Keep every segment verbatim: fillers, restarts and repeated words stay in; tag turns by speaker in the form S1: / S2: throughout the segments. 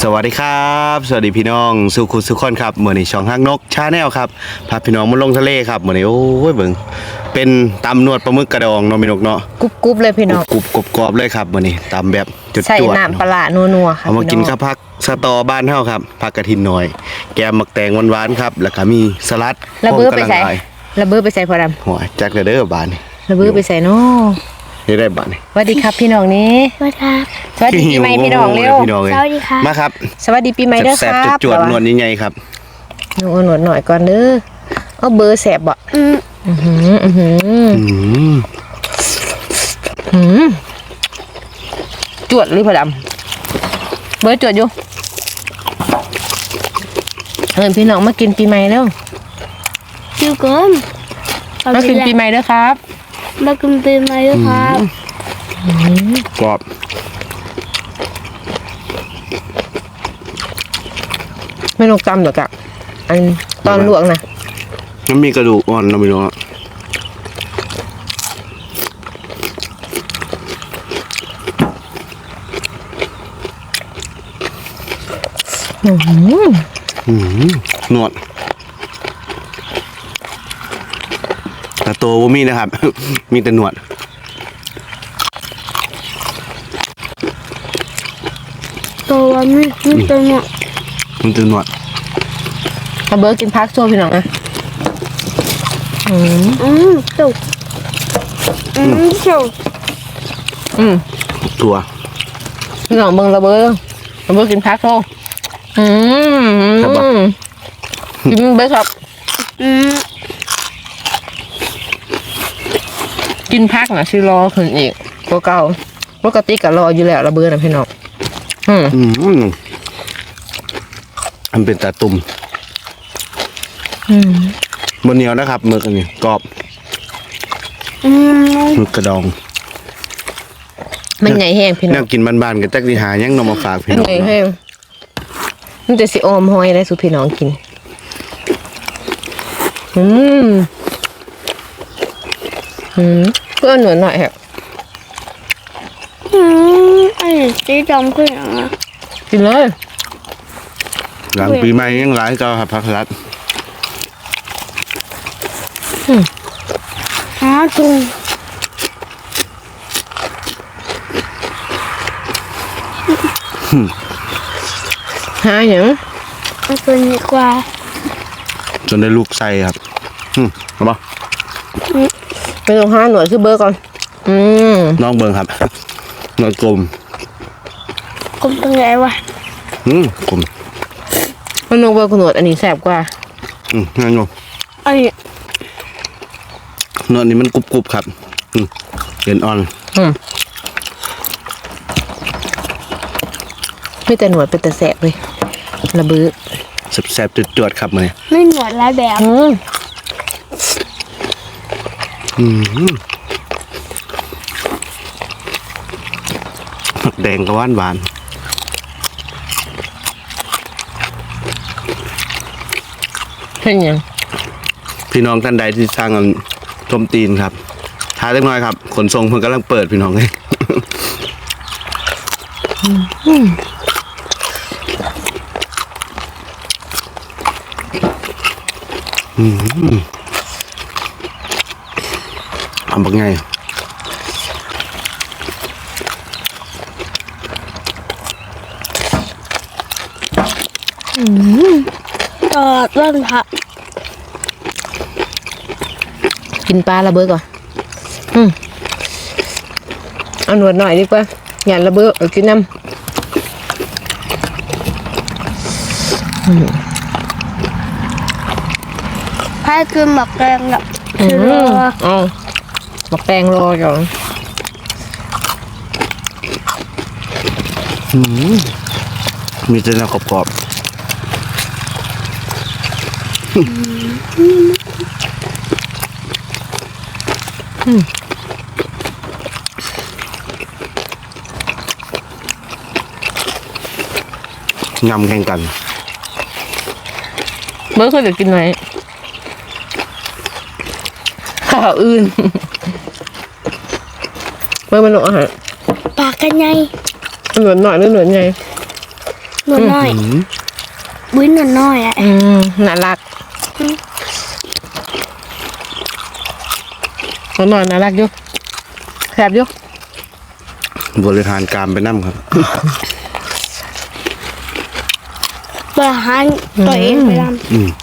S1: สวัสดีครับสวัสดีพี่น้องสุขุสุขคนครับเมื่อนี้ช่องฮักนกชาแนลครับพาพี่น้องมาลงทะเลครับเมื่อนี้โอ้ยเบิ่งเป็นตำนวดปลาหมึกกระดองเนาะพี่นกเนาะ
S2: กรุบกรุบเลยพี่น้อง
S1: กรุบกรุบกรอบเลยครับเมื่อนี้ตำแบบจุด
S2: ใส่
S1: จวด
S2: น้ำปลานัวๆค่ะ
S1: เอามากินข้าวผักสตอบ้านเฮาครับผักกระถินหน่อยแกมหมักแตงหวานๆครับแล้วก็มีสลัด
S2: ระเบ้อ
S1: พ
S2: ไป
S1: ร้อม
S2: ใส่
S1: กำลังลาย
S2: ระเบ้อไปใส่พอด
S1: หัวจักเด้อบานนี่
S2: ำระเบ้อไปใส่เนาะ
S1: นี่ได้บานนี่
S2: สวัสดีครับพี่น้องนี้
S3: สวัสดีครับ
S2: สวัสดีปีใหม่พี่น้องเร็ว
S1: พี่น้องเอ้ย
S3: สวัสดีครับ
S1: มาครับ
S2: สวัสดีปีใหม่เด้อ
S1: แซ่
S2: ค
S1: บ
S2: รับ
S1: ๆจวดๆนวลใหญ่ๆครับ
S2: หนูเอาหนวดหน่อยก่อนเด้อเอาเบอร์แสบบ่
S3: อืม
S2: อือหืออือหือ
S1: อืม
S2: หือจวดเลยพอดำเบอร์จวดอยู่เอิญพี่น้องมากินปีใหม่แล้ว
S3: คิวก่อน
S2: มากินปีใหม่เด้อครับ
S3: มากินปีใหม่ด้วยครับ
S1: กรอบ
S2: ไม่ลงตำหรอกอะอันตอนลวกนะ
S1: มันมีกระดูกอ่อนเนาะพี่น้อง
S2: อื้อหือ
S1: อืมนวดแต่ตัวบ่มีนะครับ มีแต่หนวด
S3: ตัวนี้นี่ตัวเนี้ย
S1: มันแต่หนวด
S2: เอาเบอร์กินพักโซ่พี่น้องนะอืม
S3: อืมสุกอืมสุก
S2: อืม
S1: ตัว
S2: พี่น้องเบิ่งระเบอร์ระเบอร์กินพักโซ่อืมกินเบอร์ครับ
S3: อืม
S2: กินพักนะชื่อรอขึ้นอีกตัวเก่าปกติก็รออยู่แล้วระเบอร์นะพี่น้องอืม
S1: อืมมันเป็นตาตุ่ม
S2: อืม
S1: บนเหนียวนะครับหมึกอันนี้กรอบ
S3: อืม
S1: หมึกกระดอง
S2: มันใหญ่แห้งพี่
S1: แน
S2: น้อง
S1: วกินบ้านๆกันจักสิหายังนำมาฝากพี่
S2: มัน
S1: น้อง
S2: ใหญ่แห้งมันจะสิออมหอยได้สุพี่น้องกินอืมอืมเพื่อนหน่อยหน่อยครับ
S3: อืมอันนี้สีดำขึ้นอ่ะ
S2: กินเลย
S1: หลังปีใหม่ยังหลายก็ครับพักรัด
S3: หาจุง
S2: หาอย่าง
S3: เอาตัวนี้กว่า
S1: จนได้ลูกไส้ครับอืมเอาบ่
S2: ไปลงห้าหน่วยคือเบอร์ก่อน อืม
S1: น้องเบิ่งครับนวดกลม
S3: กลมตรงไหนวะ
S1: อืมกลม
S2: มันลงเบอร์ขนวดอันนี้แสบกว่า
S1: อืมนั่นอยู่
S3: อันนี้
S1: นวดนี้มันกรุบๆครับอืมเอ็นอ่อน
S2: อืมไม่แต่หนวดเป็นแต่แสบเลยระเบือ
S1: แซ่บๆจวดๆครับมื้อนี้
S3: ไม่หนวดหลายแบบ
S2: อืม
S1: อืมผักแดงก็หวานหวาน
S2: เป็นยัง
S1: พี่น้องท่านใดที่สร้างอันชมตีนครับท้าเล็กน้อยครับ ขนส่งเพิ่งกำลังเปิดพี่น้องเลยอืมทำบักไง
S3: ตอดต้นผัก
S2: กินปลาระเบือก่อน อืมเอาหนวดหน่อยดีกว่าอย่าระเบือเอากินน้ำ
S3: ให้กินหมักแกงอ่ะ
S2: อื
S3: คือ
S2: ม
S3: รอ
S2: เอาหมักแตงรอก่อน
S1: มีแต่เนื้อกรอบๆยำแข่งกัน
S2: เบิร์ดเคยจะกินไหมข้าวอื่นเบิร์ดมันหนวดอาหาร
S3: ปากกันไง
S2: หนวดหน่อยหรือหนวดไง
S3: หนวดน้อย
S1: อืม
S3: บุ้ยหนวดน้อยอ่ะ
S2: อืมน่ารักน้องหน่อยน่ารักอยู่แซ่บอยู่
S1: บริหารการไปนั่ครับ
S3: บริหารตัวเองไปท
S1: อืม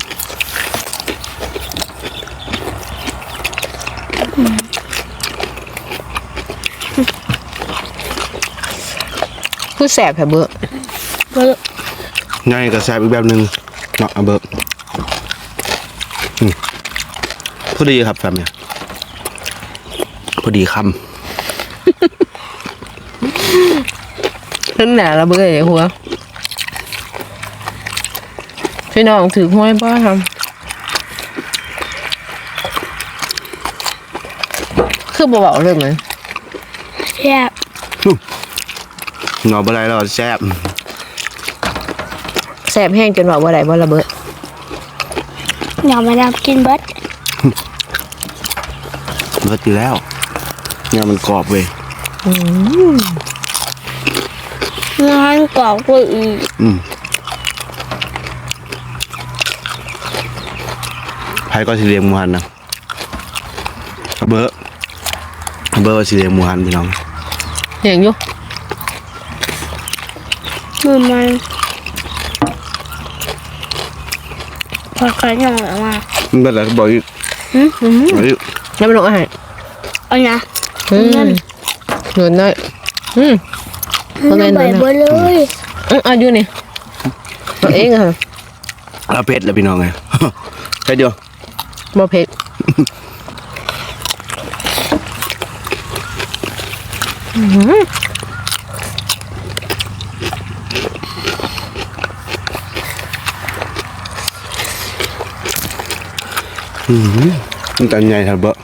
S2: คือแซ่บแท้เบ้อ
S3: ำเบอร์
S1: ง่ายกับแซ่บอีกแบบหนึ่งเนาะเอาเบิร์อืมพอดีครับแฟมเนี่ยพอดีค
S2: ขึ้นหนาละเบ้อไอ้หัวพี่น้องถือห้วยบ้าทำคือบ่เบาเลยมั้ย
S3: แซ่บ
S1: ำหนอบอะไรเราแซ่บ
S2: แซ่บแห้งจนว่าบ่ได้บ่ละเบ้อ
S3: อย่ามาดำกินเบิร์ด
S1: เบิร์ดอยู่แล้วเนี่ยมันกรอบเว้ย
S3: งานกรอบกว่าอีก
S1: อืมไพ่ก็สีเหลืองหมูหันนะเอาเบิร์ดเอาเบิร์ดว่าสีเหลืองหมูหันพี่น้อง
S2: เห็นอยู่
S3: มือมันพอกันยังออกมา
S1: มันเป็นอะไรก็บอกอีก
S3: หืม
S1: บอกอีก
S2: แล้วมันลงอาหาร
S3: เอานะ
S2: อืมหนวดน้อยอืม เอาไง
S3: มันใบ
S2: หนูนะ
S3: เบอร์เลย
S2: อืมเอาอยู่นี่เอาเองอะค่ะ
S1: เอาเผ็ดแล้วพี่น้องไง แค่เดียว
S2: บ่เผ็ด
S1: มันจะใหญ่ทันเบอะ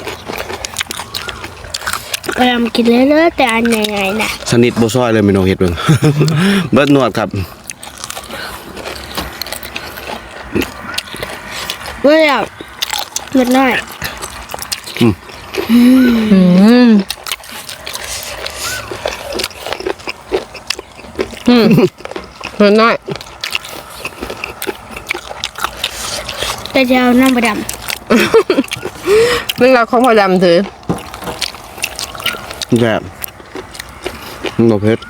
S3: พยายามกินเรื่อยๆแต่อันใหญ่ๆนะ
S1: สนิทโบซอยเลยพี่น้องเห็ดเบิ่ง เบิร์ดหนวดครับ
S3: เมื่อแบบเล็กน้อย
S2: อืมอืมหนวดน้อย
S3: แต่จะเอาน้ำประด
S2: เรื่องราวของพ่อดำถือ
S1: แบบมันบ่เผ็ด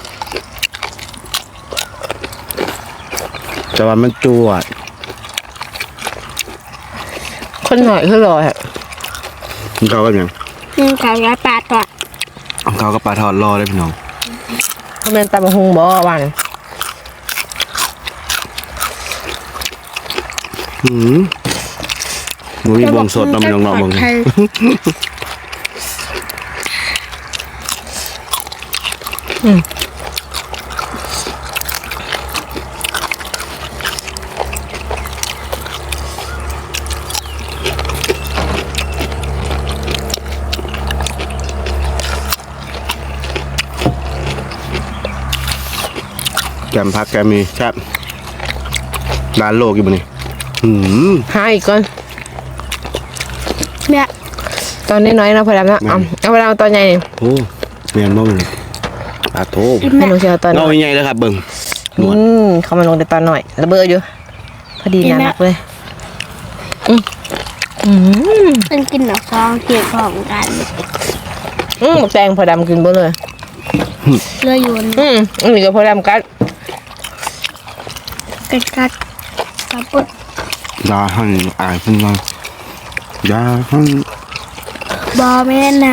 S1: แต่ว่ามันจวด
S2: คนหน่อยคือรอฮะ
S1: มันเข้ากับหยัง
S3: ำนี่ขาวย้ายปลาตัว
S1: เข้ากับปลาทอดรอเลยพี่น้อง
S2: เขาเป็นตำบักหุงบ่วัน
S1: หืมมันมีบวงสดเนาะพี่น้องเนาะบวง
S3: ไทย
S1: แกมพักแกมมีครับร้านโลกอยู่บนนี้หืม
S2: หาอีกก่อน
S3: เนี่ย
S2: ตอนน้อยๆนะพ่อดำนะเอาเอาไปเอาตอนใหญ่นี่
S1: โอ้เมียนบ่มึงปลาโถ
S2: ให้หนูเชียวตอนน้
S1: เงา
S2: อย
S1: ใหญ่เลยครับเบิ่งหนวด
S2: อืมเขามาลงแต่ตอนหน่อยระเบิดอยู่พอดีน่ารักเลยอืมอืม
S3: มันกินหนักซองเกี่ยวของกัน
S2: อืมแตงพอดำกินบ่เลย
S3: เลือดอยู่น
S2: อืมอันนี้ก็พอดำกัด
S3: กัดกัดกับปุ๊บ
S1: ยาหันอายขึ้นมายาหัน
S3: บอแม่ไหน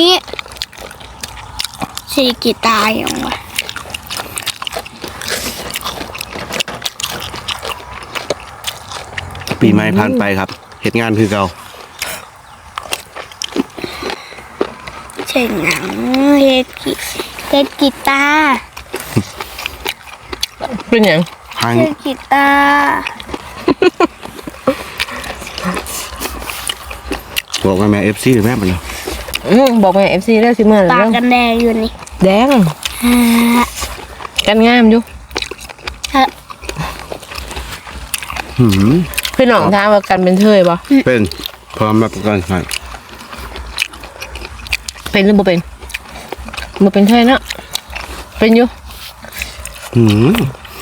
S3: สีกีตายอย่างวะ
S1: ปีใหม่ผ่านไปครับเฮ็ดงานคือเก่า
S3: เช่นหนังเฮดกีเฮดกีตาร์
S2: เป็นหยัง
S1: ให้
S3: เฮดกีตาร์
S1: บอกว่าแม่ เอฟ ซี หรือแม่มันเนาะ
S2: อืมบอกแม่เอฟซีได้สิเมื่อ
S3: ปาก
S2: แล้ว
S3: กันแดงอยู่นี่
S2: แดง
S3: ฮ่า
S2: กันงามอยู่
S3: ฮะ
S1: หืม
S2: พี่น้องถามว่ากันเป็นเทยบ่
S1: เป็นพร้อมรับประกันให้
S2: เป็นหรือบ่เป็นบ่เป็นเทยเนาะเป็นอยู่
S1: หืม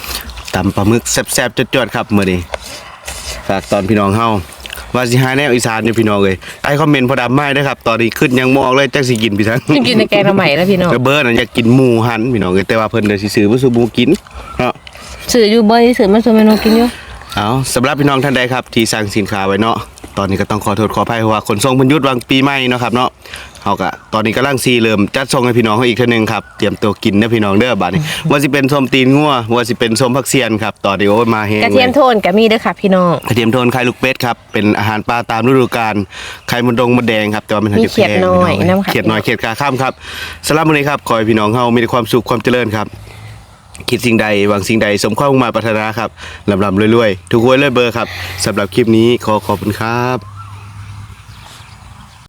S1: ตำปลาหมึกแซ่บๆจวดๆครับมื้อนี้ฝากตอนพี่น้องเฮาว่าสิหาแนวอีสานอยู่พี่น้องเอ้ยใต้คอมเมนต์พอดำไม้เด้อครับตอนนี้ขึ้นยังบ่ออกเลยจักสิกินพี่ทั้ง
S2: กินในแกงใหม่แล้วพี่น้อง
S1: ก็เบิร์ดน่ะอยากกินหมูหันพี่น้องเอ้ยแต่ว่าเพิ่นเดี๋ยวสิซื้อบ่ซื้อหมูกินเนาะ
S2: สื่ออยู่บ่อยสื่อมาส่วนเมนูกินอยู่
S1: เอาสำหรับพี่น้องท่านใดครับที่สั่งสินค้าไว้เนาะตอนนี้ก็ต้องขอโทษขออภัยเพราะว่าขนส่งเพิ่นหยุดวางปีใหม่เนาะครับเนาะเฮาก็ตอนนี้กำลังซีเริ่มจัดส่งให้พี่น้องเฮาอีกเทื่อนึงครับเตรียมตัวกินเด้อพี่น้องเด้อบัดนี้ ว่าสิเป็นส้มตีนงัวว่าสิเป็นส้มผักเสียนครับตอนนี้โอ้ยมาแฮง
S2: กระเทียม
S1: ล
S2: โทนก็มีเด้อค่ะพี่น้อง
S1: กระเทียมโทนไข่ลูกเป็ดครับเป็นอาหารปลาตามฤดูกาลไข่มดดงมดแดงครับแต่ว่ามัน
S2: มีเขียดน้อย
S1: พี่
S2: น้ำค่ะ
S1: เขียดน้อยเขียดกาข้ามครับสำหรับมื้อนี้ครับขอให้พี่น้องเฮามีแต่ความสุขความเจริญครับคิดสิ่งใดหวังสิ่งใดสมความมุ่งมาปรารถนาครับลำลำรวยๆทุกหวยเลยเบอร์ครับสำหรับคลิปนี้ขอขอบคุณครับ